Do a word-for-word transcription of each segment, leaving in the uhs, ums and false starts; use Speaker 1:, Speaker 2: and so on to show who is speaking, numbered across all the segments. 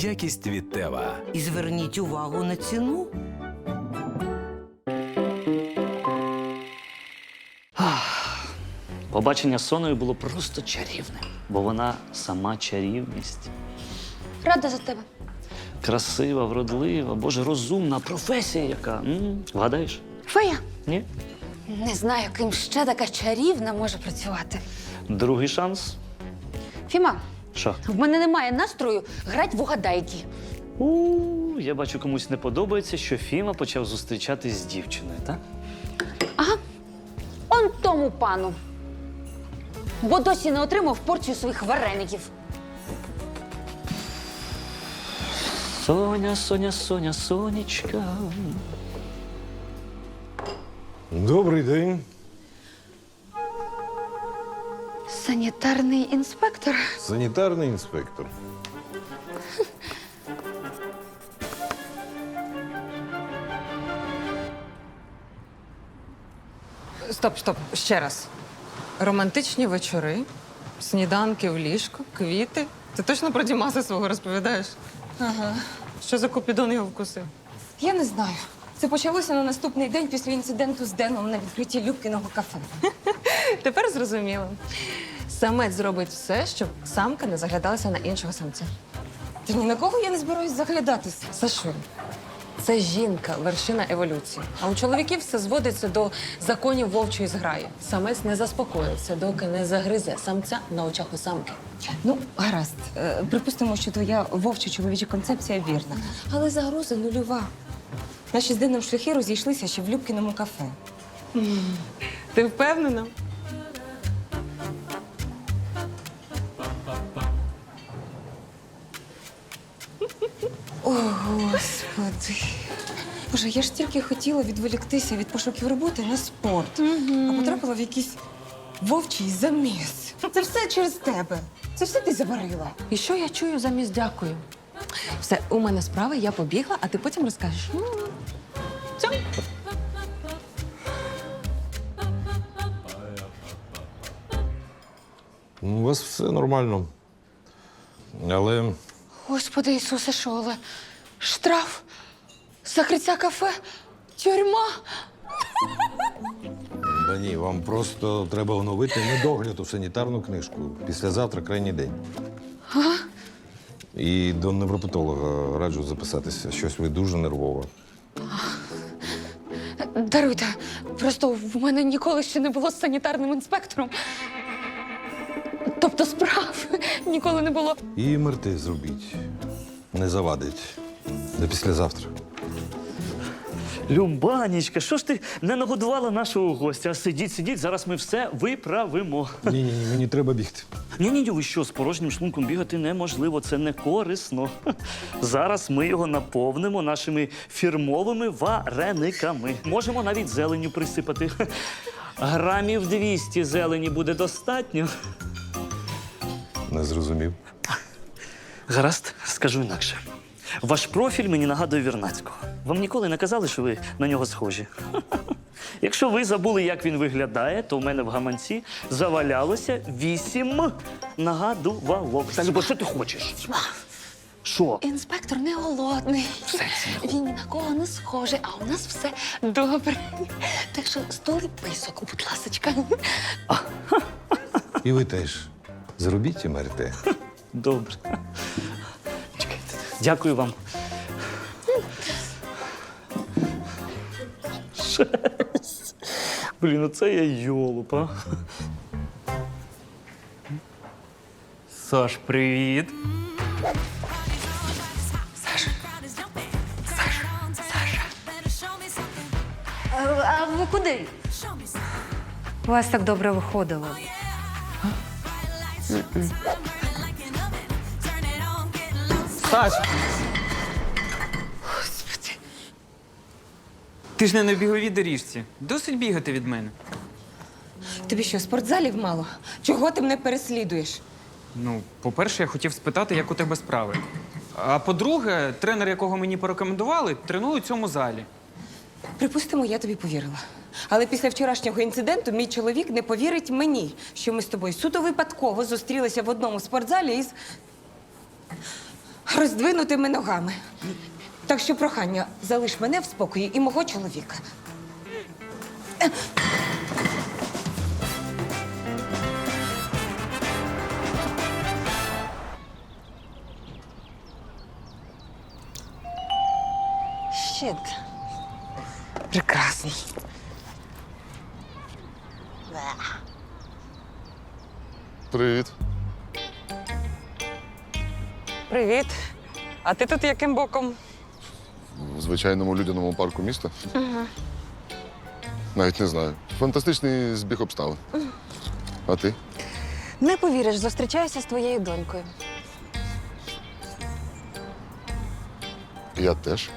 Speaker 1: Якість від Тева.
Speaker 2: І зверніть увагу на ціну.
Speaker 3: Побачення з Соною було просто чарівним, бо вона сама чарівність.
Speaker 4: Рада за тебе.
Speaker 3: Красива, вродлива, боже, розумна, професія яка. М? Вгадаєш?
Speaker 4: Фея.
Speaker 3: Ні?
Speaker 4: Не знаю, ким ще така чарівна може працювати.
Speaker 3: Другий шанс.
Speaker 4: Фіма,
Speaker 3: Що?
Speaker 4: в мене немає настрою грати в угадайки.
Speaker 3: У, я бачу, комусь не подобається, що Фіма почав зустрічатись з дівчиною, так?
Speaker 4: Ага. Он тому пану. Бо досі не отримав порцію своїх вареників.
Speaker 3: Соня, Соня, Соня, Сонечка.
Speaker 5: Добрий день.
Speaker 4: Санітарний інспектор.
Speaker 5: Санітарний інспектор.
Speaker 6: Стоп, стоп, ще раз. Романтичні вечори, сніданки в ліжко, квіти. Ти точно про Дімаса свого розповідаєш? Ага. Що за купідон його вкусив?
Speaker 7: Я не знаю. Це почалося на наступний день після інциденту з Деном на відкритті Любкіного кафе.
Speaker 6: Тепер зрозуміло. Самець зробить все, щоб самка не заглядалася на іншого самця.
Speaker 7: Та ні на кого я не збираюсь заглядатися.
Speaker 6: Сашуль, це жінка, вершина еволюції. А у чоловіків все зводиться до законів вовчої зграї. Самець не заспокоїться, доки не загризе самця на очах у самки.
Speaker 7: Ну, гаразд. Е, Припустимо, що твоя вовча чоловіча концепція вірна. Але загроза нульова. Наші з Деном шляхи розійшлися ще в Любкіному кафе.
Speaker 6: Ти впевнена?
Speaker 7: О, Господи. Боже, я ж тільки хотіла відволіктися від пошуків роботи на спорт, а потрапила в якийсь вовчий заміс. Це все через тебе. Це все ти заварила.
Speaker 6: І що я чую замість дякую? Все, у мене справи, я побігла, а ти потім розкажеш. Цьом.
Speaker 5: У вас все нормально. Але
Speaker 4: Господи Ісусе, що, але штраф, закриття кафе, тюрма.
Speaker 5: да ні, вам просто треба оновити недогляд у санітарну книжку. Післязавтра крайній день.
Speaker 4: Ага.
Speaker 5: І до невропатолога раджу записатися. Щось ви дуже нервова.
Speaker 4: Даруйте, просто в мене ніколи ще не було з санітарним інспектором. Тобто справ ніколи не було.
Speaker 5: І ем ер те зробіть. Не завадить. До післязавтра.
Speaker 3: Любанічка, що ж ти не нагодувала нашого гостя? Сидіть, сидіть, зараз ми все виправимо.
Speaker 5: Ні, ні, ні, мені треба бігти.
Speaker 3: Ні-ні, ви що, з порожнім шлунком бігати неможливо, це не корисно. Зараз ми його наповнимо нашими фірмовими варениками. Можемо навіть зеленню присипати. Грамів двісті зелені буде достатньо.
Speaker 5: Не зрозумів.
Speaker 3: Гаразд, скажу інакше. Ваш профіль мені нагадує Вірнацького. Вам ніколи не казали, що ви на нього схожі? Якщо ви забули, як він виглядає, то в мене в гаманці завалялося вісім нагадувалок. Та, Любо, що ти хочеш? Що?
Speaker 4: Інспектор не голодний. Він ні на кого не схожий, а у нас все добре. Так що столи писок, будь ласочка.
Speaker 5: І ви теж зробіть ем ер те.
Speaker 3: Добре. Чекайте. Дякую вам. Шесть. Блін, оце я йолоп, а.
Speaker 8: Саш, привіт.
Speaker 4: А ви куди?
Speaker 9: У вас так добре виходило.
Speaker 8: Саш! Ти ж не на біговій доріжці. Досить бігати від мене.
Speaker 7: Тобі що, спортзалів мало? Чого ти мене переслідуєш?
Speaker 8: Ну, по-перше, я хотів спитати, як у тебе справи. А по-друге, тренер, якого мені порекомендували, тренує у цьому залі.
Speaker 7: Припустимо, я тобі повірила. Але після вчорашнього інциденту мій чоловік не повірить мені, що ми з тобою суто випадково зустрілися в одному спортзалі із роздвинутими ногами. Так що прохання, залиш мене в спокої і мого чоловіка. Щит. Прекрасно.
Speaker 1: Привіт.
Speaker 6: Привіт. А ти тут яким боком?
Speaker 1: В звичайному людяному парку міста. Навіть не знаю. Фантастичний збіг обставин. А ти?
Speaker 7: Не повіриш, зустрічаюся з твоєю донькою.
Speaker 1: Я теж.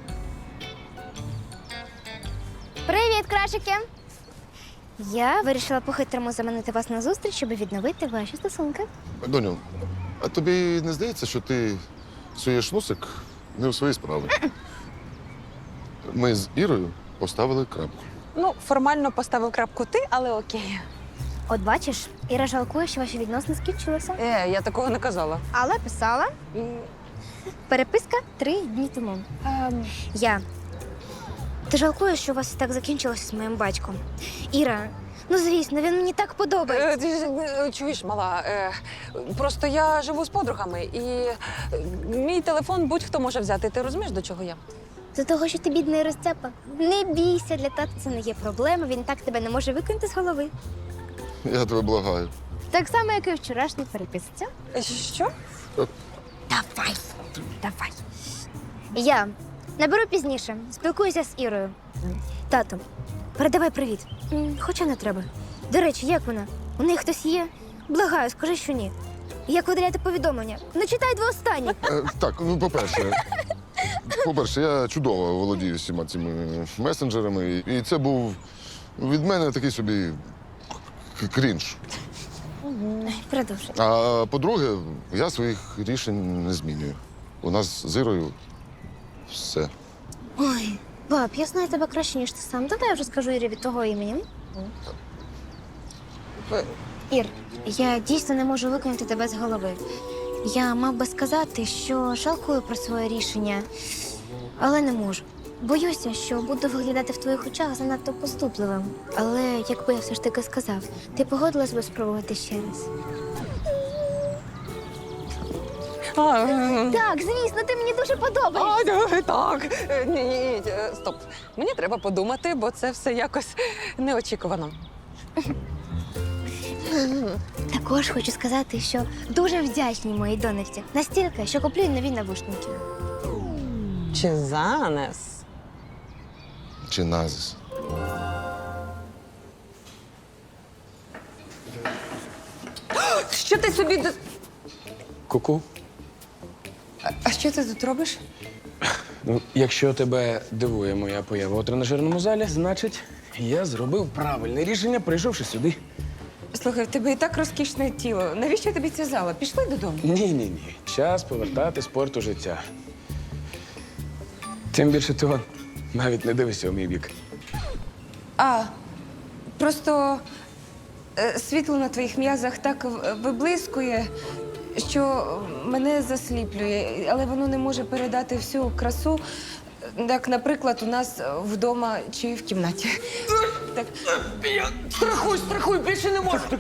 Speaker 10: Привіт, крашики! Я вирішила по-хитрому заманити вас на зустріч, щоб відновити ваші стосунки.
Speaker 1: Доню, а тобі не здається, що ти суєш носик не у свої справи? Ми з Ірою поставили крапку.
Speaker 7: Ну, формально поставив крапку ти, але окей.
Speaker 10: От бачиш, Іра жалкує, що ваші відносини скінчилися.
Speaker 6: Е, я такого не казала.
Speaker 10: Але писала. Переписка три дні тому. Ем, я. Ти жалкуєш, що у вас так закінчилося з моїм батьком. Іра, ну звісно, він мені так подобається.
Speaker 7: Е, ти ж, е, Чуєш, мала, е, просто я живу з подругами, і е, мій телефон будь-хто може взяти. Ти розумієш, до чого я?
Speaker 10: З-за того, що ти бідний розцепа. Не бійся, для тата це не є проблема, він так тебе не може викинути з голови.
Speaker 1: Я тебе благаю.
Speaker 10: Так само, як і вчорашній переписці.
Speaker 7: Е, Що?
Speaker 10: Давай, давай. Я наберу пізніше, спілкуюся з Ірою. Тату, передавай привіт. М, Хоча не треба. До речі, як вона? У неї хтось є? Благаю, скажи, що ні. Як видаляти повідомлення? Не читай два останні.
Speaker 1: Е, так, ну, по-перше, по-перше, я чудово володію всіма цими месенджерами. І це був від мене такий собі к- крінж.
Speaker 10: Продовжуй.
Speaker 1: А по-друге, я своїх рішень не змінюю. У нас з Ірою все.
Speaker 10: Ой, баб, я знаю тебе краще, ніж ти сам. Давай я вже скажу Ірі від того імені. Ір, я дійсно не можу викинути тебе з голови. Я мав би сказати, що жалкую про своє рішення, але не можу. Боюся, що буду виглядати в твоїх очах занадто поступливим. Але якби я все ж таки сказав, ти погодилась би спробувати ще раз?
Speaker 7: А, е,
Speaker 10: Так, звісно, ти мені дуже подобаєшся.
Speaker 7: а, е, так. Е, Ні, ні, ні, е, стоп. Мені треба подумати, бо це все якось неочікувано.
Speaker 10: Також хочу сказати, що дуже вдячні моїй донечці. Настільки, що куплю їй нові навушники.
Speaker 7: Чи занес?
Speaker 1: Чи назис.
Speaker 7: Що ти собі до...
Speaker 11: Ку-ку.
Speaker 7: А що ти тут робиш?
Speaker 11: Ну, якщо тебе дивує моя поява у тренажерному залі, значить, я зробив правильне рішення, прийшовши сюди.
Speaker 7: Слухай, в тебе і так розкішне тіло. Навіщо тобі ця зала? Пішли додому.
Speaker 11: Ні-ні-ні. Час повертати спорт у життя. Тим більше ти он, навіть не дивишся у мій бік.
Speaker 7: А, просто е, світло на твоїх м'язах так в- виблискує, що мене засліплює, але воно не може передати всю красу, як, наприклад, у нас вдома чи в кімнаті. Так. Страхуй, страхуй, більше не можу.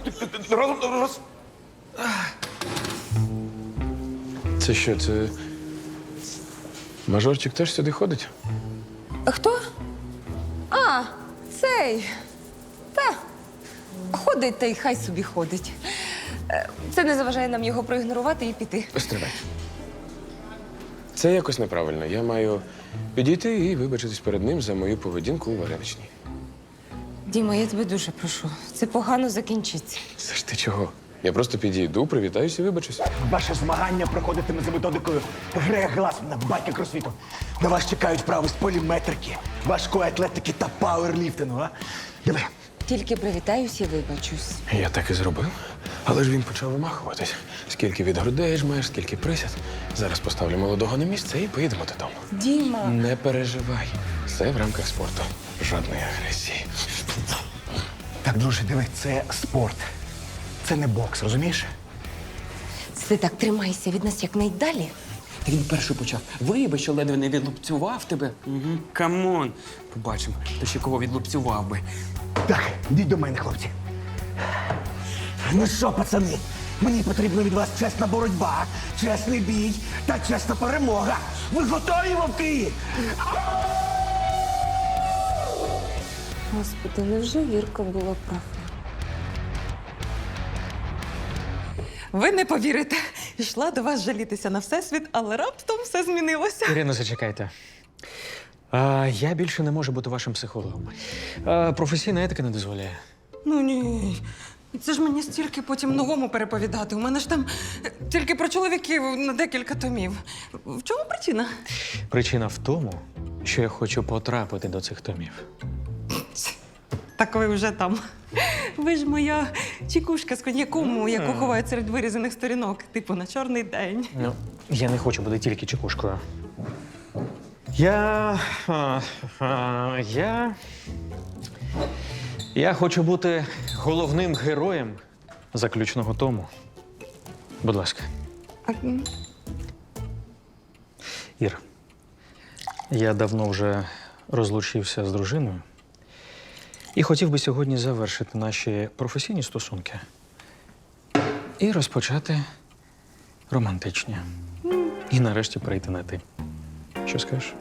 Speaker 11: Це що, це. Мажорчик теж сюди ходить?
Speaker 7: Хто? А, цей. Та. Ходить та й хай собі ходить. Е, Це не заважає нам його проігнорувати і піти.
Speaker 11: Стривай. Це якось неправильно. Я маю підійти і вибачитись перед ним за мою поведінку у вареничній.
Speaker 7: Діма, я тебе дуже прошу. Це погано закінчиться.
Speaker 11: Це ж ти чого? Я просто підійду, привітаюся і вибачусь.
Speaker 12: Ваше змагання проходитиме за методикою Грега Гласмана, батька кросфіту. На вас чекають вправи з поліметрики, важкої атлетики та пауерліфтингу, а? Диви.
Speaker 7: Тільки привітаюся і вибачусь.
Speaker 11: Я так і зробив. Але ж він почав вимахуватись. Скільки від грудей жмеш, скільки присяд. Зараз поставлю молодого на місце і поїдемо додому.
Speaker 7: Діма.
Speaker 11: Не переживай. Все в рамках спорту. Жодної агресії.
Speaker 12: Так, друже, диви, це спорт. Це не бокс, розумієш?
Speaker 7: Ти так тримайся від нас якнайдалі,
Speaker 8: Та він перший почав. Вибач, що ледве не відлупцював тебе. Угу. Камон. Побачимо, хто ще кого відлупцював би.
Speaker 12: Так, йдіть до мене, хлопці. Ну що, пацани, мені потрібна від вас чесна боротьба, чесний бій та чесна перемога. Ви готові, вовки?
Speaker 7: Господи, невже Вірка була права? Ви не повірите. Йшла до вас жалітися на всесвіт, але раптом все змінилося.
Speaker 8: Ірино, зачекайте. А, я більше не можу бути вашим психологом. А, професійна етика не дозволяє.
Speaker 7: Ну ні. Це ж мені стільки потім новому переповідати. У мене ж там е, тільки про чоловіків на декілька томів. В чому причина?
Speaker 8: Причина в тому, що я хочу потрапити до цих томів.
Speaker 7: Так ви вже там. Ви ж моя чекушка з коньяком, яку ховають серед вирізаних сторінок, типу на чорний день.
Speaker 8: Ну, я не хочу бути тільки чекушкою. Я. А, а, я. Я хочу бути головним героєм заключного тому. Будь ласка. Ір, я давно вже розлучився з дружиною і хотів би сьогодні завершити наші професійні стосунки і розпочати романтичні. І нарешті перейти на ти. Що скажеш?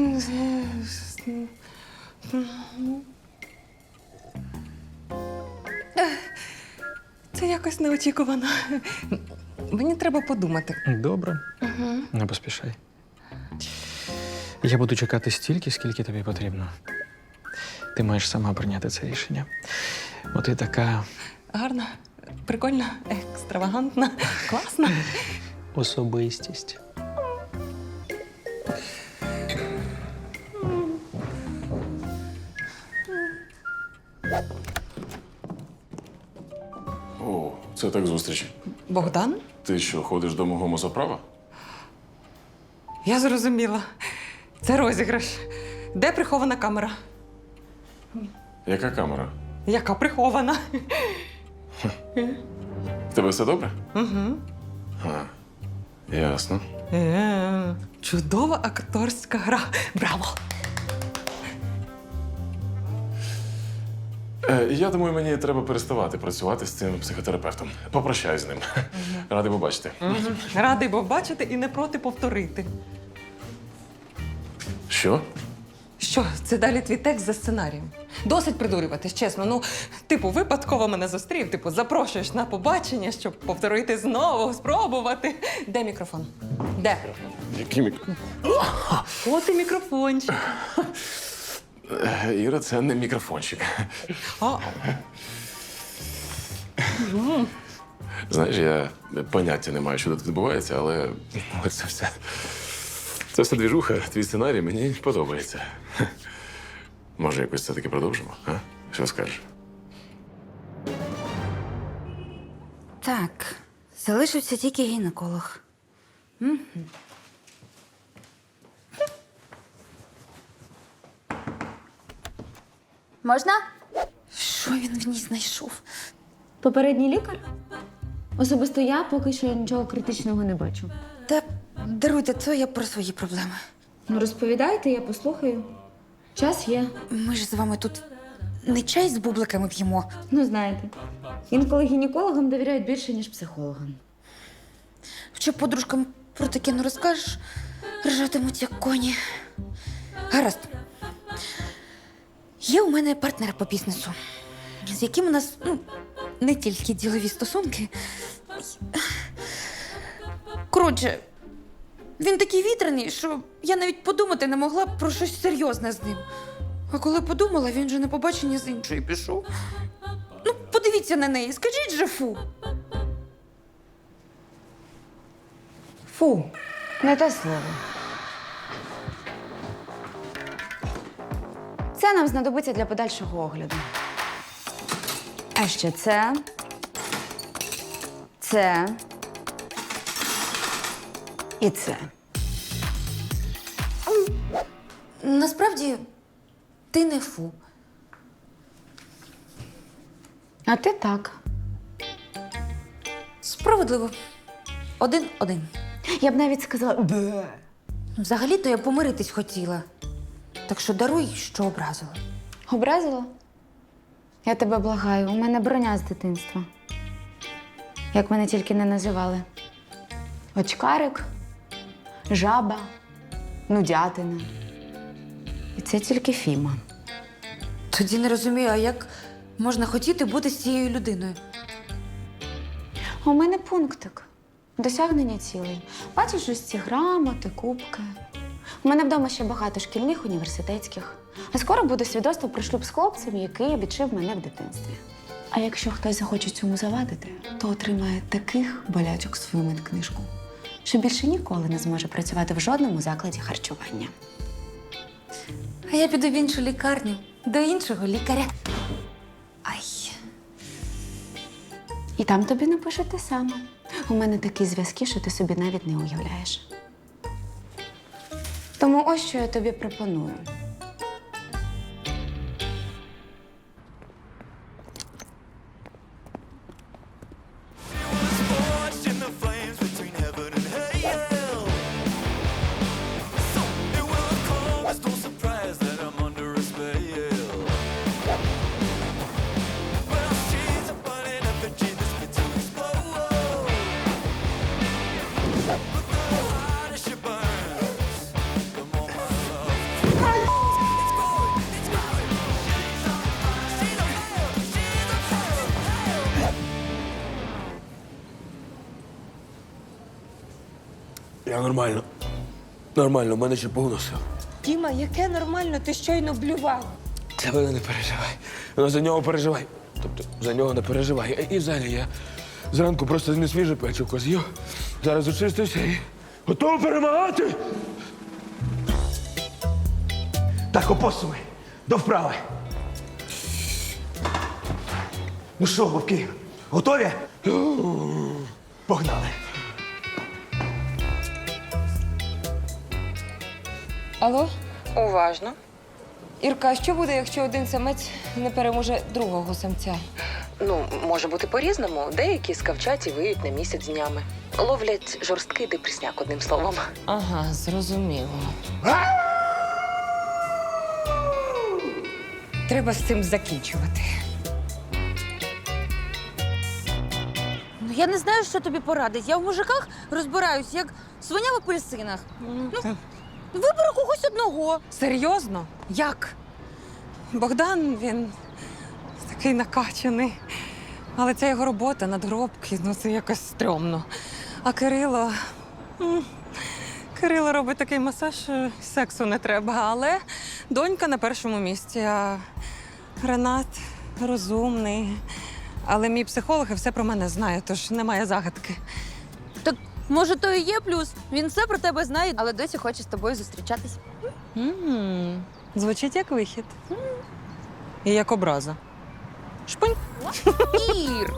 Speaker 7: Це якось неочікувано. Мені треба подумати.
Speaker 8: Добре. Не поспішай. Я буду чекати стільки, скільки тобі потрібно. Ти маєш сама прийняти це рішення. Бо ти така
Speaker 7: Гарна, прикольна, екстравагантна, класна.
Speaker 8: особистість.
Speaker 11: О, це так зустріч.
Speaker 7: Богдан?
Speaker 11: Ти що, ходиш до мого мозоправа?
Speaker 7: Я зрозуміла. Це розіграш. Де прихована камера?
Speaker 11: Яка камера?
Speaker 7: Яка прихована?
Speaker 11: В тебе все добре?
Speaker 7: Угу.
Speaker 11: А, ясно.
Speaker 7: Е, чудова акторська гра. Браво!
Speaker 11: Е, я думаю, мені треба переставати працювати з цим психотерапевтом. Попрощай з ним. Радий побачити.
Speaker 7: Радий був бачити і не проти повторити.
Speaker 11: Що?
Speaker 7: Що, це далі твій текст за сценарієм. Досить придурюватись, чесно. Ну, типу, випадково мене зустрів, типу, запрошуєш на побачення, щоб повторити знову, спробувати. Де мікрофон? Де?
Speaker 11: Який мікрофон?
Speaker 7: От і мікрофончик.
Speaker 11: Е, Іра, це не мікрофончик.
Speaker 7: А,
Speaker 11: Знаєш, я поняття не маю, що тут відбувається, але це все. Це все двіжуха, твій сценарій мені подобається. Може, якось це таки продовжимо? А? Що скажеш?
Speaker 9: Так, залишився тільки гінеколог. Угу.
Speaker 10: Можна?
Speaker 9: Що він в ній знайшов?
Speaker 10: Попередній лікар? Особисто я поки що нічого критичного не бачу.
Speaker 9: Та даруйте, це я про свої проблеми.
Speaker 10: Ну, розповідайте, я послухаю. Час є.
Speaker 9: Ми ж з вами тут не чай з бубликами п'ємо.
Speaker 10: Ну, знаєте, інколи гінекологам довіряють більше, ніж психологам.
Speaker 9: Що подружкам про таке не розкажеш, ржатимуть як коні. Гаразд. Є у мене партнер по бізнесу, з яким у нас ну, не тільки ділові стосунки. Коротше, він такий вітряний, що я навіть подумати не могла про щось серйозне з ним. А коли подумала, він же на побачення з іншою пішов. Ну, подивіться на неї, скажіть же фу.
Speaker 10: Фу, не те слово. Це нам знадобиться для подальшого огляду. А ще це. Це. І це.
Speaker 9: Насправді, ти не фу.
Speaker 10: А ти так.
Speaker 9: Справедливо. Один-один. Я б навіть сказала бе. Взагалі-то я помиритись хотіла. Так що даруй, що образила.
Speaker 4: Образила? Я тебе благаю, у мене броня з дитинства. Як мене тільки не називали. Очкарик, жаба, нудятина. І це тільки Фіма.
Speaker 9: Тоді не розумію, а як можна хотіти бути з цією людиною?
Speaker 4: А у мене пунктик. Досягнення цілей. Бачиш ось ці грамоти, кубки. У мене вдома ще багато шкільних, університетських. А скоро буде свідоцтво про шлюб з хлопцем, який відшив мене в дитинстві. А якщо хтось захоче цьому завадити, то отримає таких болячок в свою медкнижку, що більше ніколи не зможе працювати в жодному закладі харчування.
Speaker 9: А я піду в іншу лікарню, до іншого лікаря. Ай.
Speaker 4: І там тобі напишуть те саме. У мене такі зв'язки, що ти собі навіть не уявляєш. Тому ось що я тобі пропоную.
Speaker 13: Я нормально. Нормально, в мене ще повно сил.
Speaker 7: Діма, яке нормально, ти щойно блював.
Speaker 13: Це ви не переживай. Ну, за нього переживай. Тобто за нього не переживай. І взагалі я зранку просто не свіже печивко з'їв. Зараз очистився і готовий перемагати.
Speaker 12: Так, опосуми. До вправи. Ну що, вовки, готові? Погнали.
Speaker 7: Алло? Уважно. Ірка, а що буде, якщо один самець не переможе другого самця?
Speaker 14: Ну, може бути по-різному. Деякі скавчать і виють на місяць днями. Ловлять жорсткий депресняк, одним словом.
Speaker 7: Ага, зрозуміло. Треба з цим закінчувати.
Speaker 9: Ну, я не знаю, що тобі порадить. Я в мужиках розбираюсь, як свиня в апельсинах. Ну, вибери когось одного.
Speaker 6: Серйозно? Як? Богдан, він такий накачаний. Але це його робота, надгробки, ну це якось стрьомно. А Кирило. м, Кирило робить такий масаж, що сексу не треба. Але донька на першому місці. А Ренат розумний. Але мій психолог і все про мене знає, тож немає загадки.
Speaker 9: Так, може, то і є плюс. Він все про тебе знає, але досі хоче з тобою зустрічатись.
Speaker 6: М, Звучить як вихід. І як образа. Шпунь.
Speaker 9: Ір!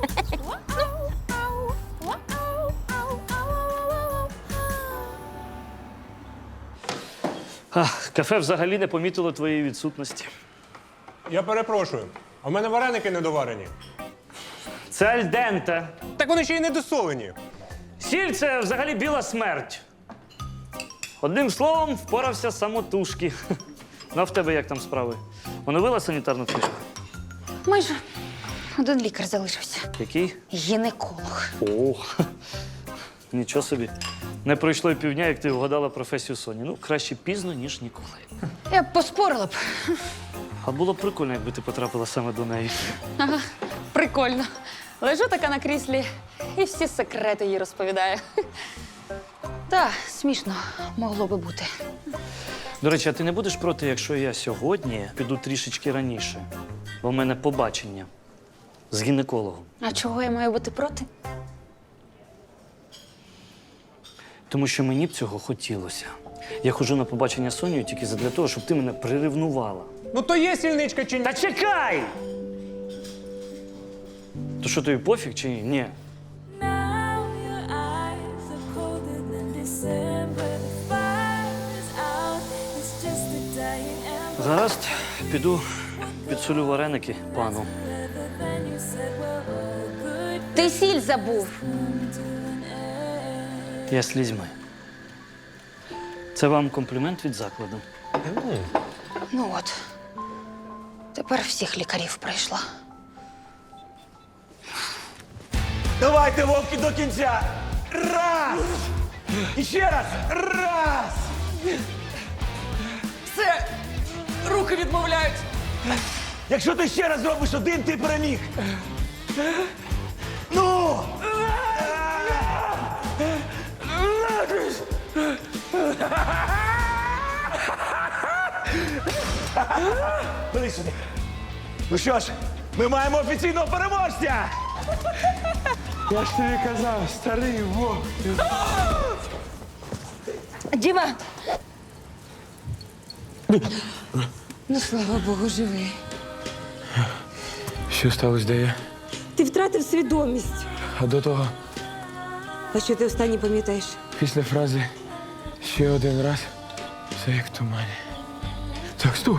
Speaker 3: А, кафе взагалі не помітило твоєї відсутності.
Speaker 15: Я перепрошую, а в мене вареники недоварені.
Speaker 3: Це альденте.
Speaker 15: Так вони ще й недосолені.
Speaker 3: Сіль – це взагалі біла смерть. Одним словом, впорався самотужки. Ну, а в тебе як там справи? Оновила санітарну книжку?
Speaker 9: Майже. Один лікар залишився.
Speaker 3: Який?
Speaker 9: Гінеколог.
Speaker 3: О, нічого собі. Не пройшло й півдня, як ти вгадала професію Соні. Ну, краще пізно, ніж ніколи.
Speaker 9: Я б поспорила б.
Speaker 3: А було б прикольно, якби ти потрапила саме до неї.
Speaker 4: Ага, прикольно. Лежу така на кріслі і всі секрети їй розповідаю.
Speaker 9: Та, смішно, могло би бути.
Speaker 3: До речі, а ти не будеш проти, якщо я сьогодні піду трішечки раніше? Бо в мене побачення з гінекологом.
Speaker 4: А чого я маю бути проти?
Speaker 3: Тому що мені б цього хотілося. Я ходжу на побачення з Сонею тільки задля того, щоб ти мене приревнувала.
Speaker 15: Ну то є сільничка чи ні?
Speaker 3: Та чекай! То що, тобі пофіг чи ні? Ні. Гаразд, піду підсолю вареники пану.
Speaker 9: Ти сіль забув.
Speaker 3: Я слізьми. Це вам комплімент від закладу.
Speaker 9: Ну от. Тепер всіх лікарів пройшла.
Speaker 12: Давайте, вовки, до кінця! Раз! І ще раз! Раз!
Speaker 6: Все! Руки відмовляють!
Speaker 12: Якщо ти ще раз зробиш один, ти переміг! Ну! Ходи сюди. Ну що ж, ми маємо офіційного переможця!
Speaker 13: Я ж тобі казав, старий вовк.
Speaker 7: Діма! Ну, слава Богу, живий.
Speaker 13: Що сталося, де я?
Speaker 7: Ти втратив свідомість.
Speaker 13: А до того,
Speaker 7: А що ти останнє пам'ятаєш?
Speaker 13: після фрази ще один раз, все як в тумані. Так, стоп.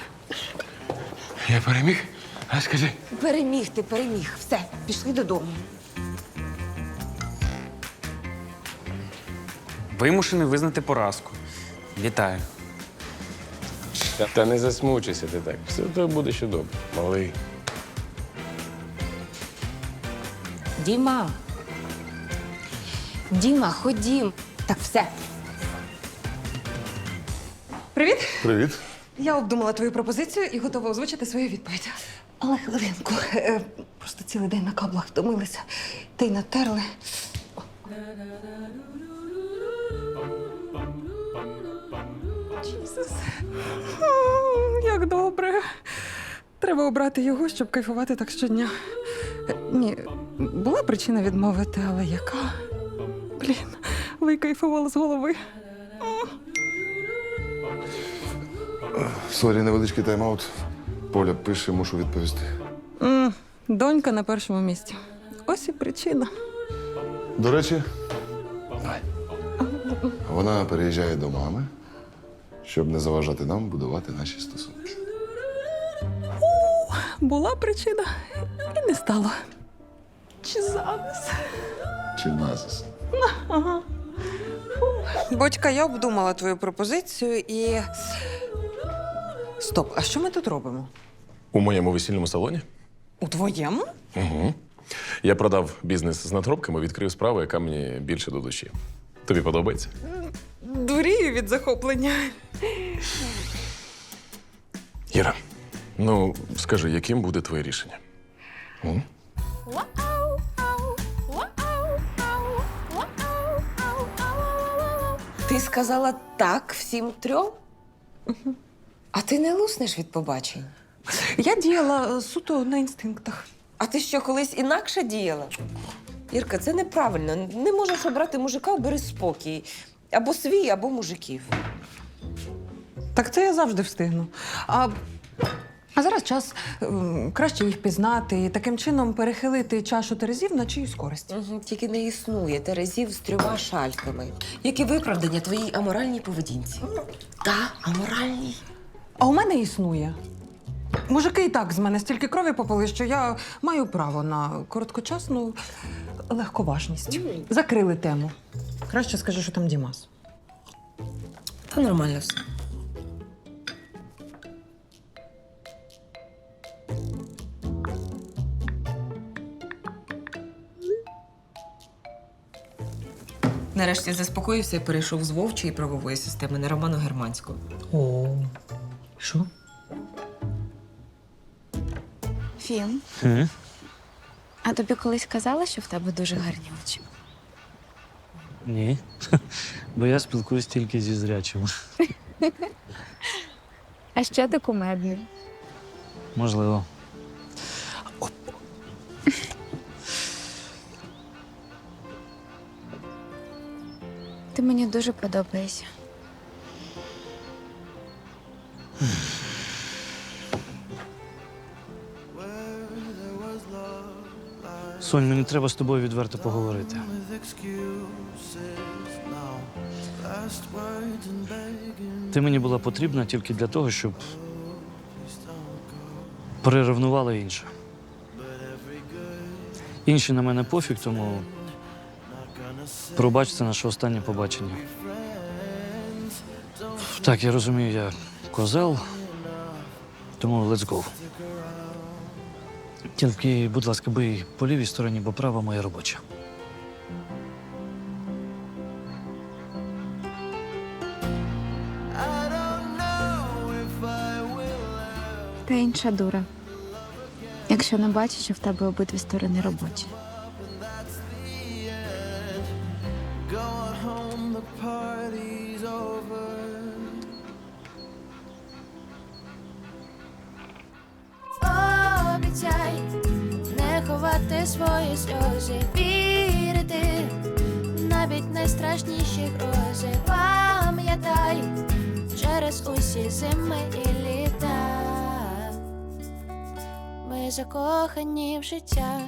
Speaker 13: Я переміг? А скажи.
Speaker 7: Переміг ти, переміг. Все, пішли додому.
Speaker 8: Вимушений визнати поразку. Вітаю.
Speaker 11: Та, та не засмучуйся ти так. Все то буде ще добре. Малий.
Speaker 7: Діма. Діма, ходім. Так, все.
Speaker 6: Привіт!
Speaker 1: Привіт.
Speaker 6: Я обдумала твою пропозицію і готова озвучити свою відповідь. Але хвилинку. Е, Просто цілий день на каблах втомилися. Та й натерли. Джісус. М, Як добре. Треба обрати його, щоб кайфувати так щодня. Е, Ні, була причина відмовити, але яка? Блін, викайфувала з голови.
Speaker 1: Сорі, невеличкий тайм-аут. Поля пише, мушу відповісти.
Speaker 6: М, Донька на першому місці. Ось і причина.
Speaker 1: До речі, вона переїжджає до мами, щоб не заважати нам будувати наші стосунки.
Speaker 6: Була причина і не стало. Чи зараз?
Speaker 1: Чи назис?
Speaker 6: Ага.
Speaker 7: Бочка, я обдумала твою пропозицію і. Стоп, а що ми тут робимо?
Speaker 11: У моєму весільному салоні?
Speaker 7: У твоєму?
Speaker 11: Угу. Я продав бізнес з надгробками, відкрив справу, яка мені більше до душі. Тобі подобається?
Speaker 6: Дурію від захоплення.
Speaker 11: Іра, ну скажи, яким буде твоє рішення? М?
Speaker 7: Ти сказала так всім трьом? А ти не луснеш від побачень?
Speaker 6: Я діяла е, суто на інстинктах.
Speaker 7: А ти що, колись інакше діяла? Ірка, це неправильно. Не можеш обрати мужика, бери спокій. Або свій, або мужиків.
Speaker 6: Так це я завжди встигну. А, а зараз час ем, краще їх пізнати і таким чином перехилити чашу терезів на чиюсь користь.
Speaker 7: Угу, тільки не існує терезів з трьома шальками. Які виправдання твоїй аморальній поведінці? Та, аморальній.
Speaker 6: А у мене існує. Мужики і так з мене стільки крові попили, що я маю право на короткочасну легковажність. Закрили тему. Краще скажи, що там Дімас.
Speaker 7: Та нормально все. Нарешті заспокоївся і перейшов з вовчої правової системи на роману германську.
Speaker 6: О, що?
Speaker 4: Фім,
Speaker 3: Угу.
Speaker 4: а тобі колись казала, що в тебе дуже гарні очі?
Speaker 3: Ні. Бо я спілкуюсь тільки зі зрячими.
Speaker 4: А ще ти кумедний.
Speaker 3: Можливо.
Speaker 4: Ти мені дуже подобаєшся.
Speaker 3: Сонь, мені треба з тобою відверто поговорити. Ти мені була потрібна тільки для того, щоб переревнувала інше. Інші на мене пофіг, тому пробач, це наше останнє побачення. Так, я розумію, я козел, тому let's go. Тільки, будь ласка, бий по лівій стороні, бо права моя робоча.
Speaker 4: Та інша дура. Якщо не бачиш, що в тебе обидві сторони робочі.
Speaker 10: Обіцяй не ховати свої сльози, вірити навіть найстрашніші грози. Пам'ятай через усі зими і літа. Ми закохані в життя.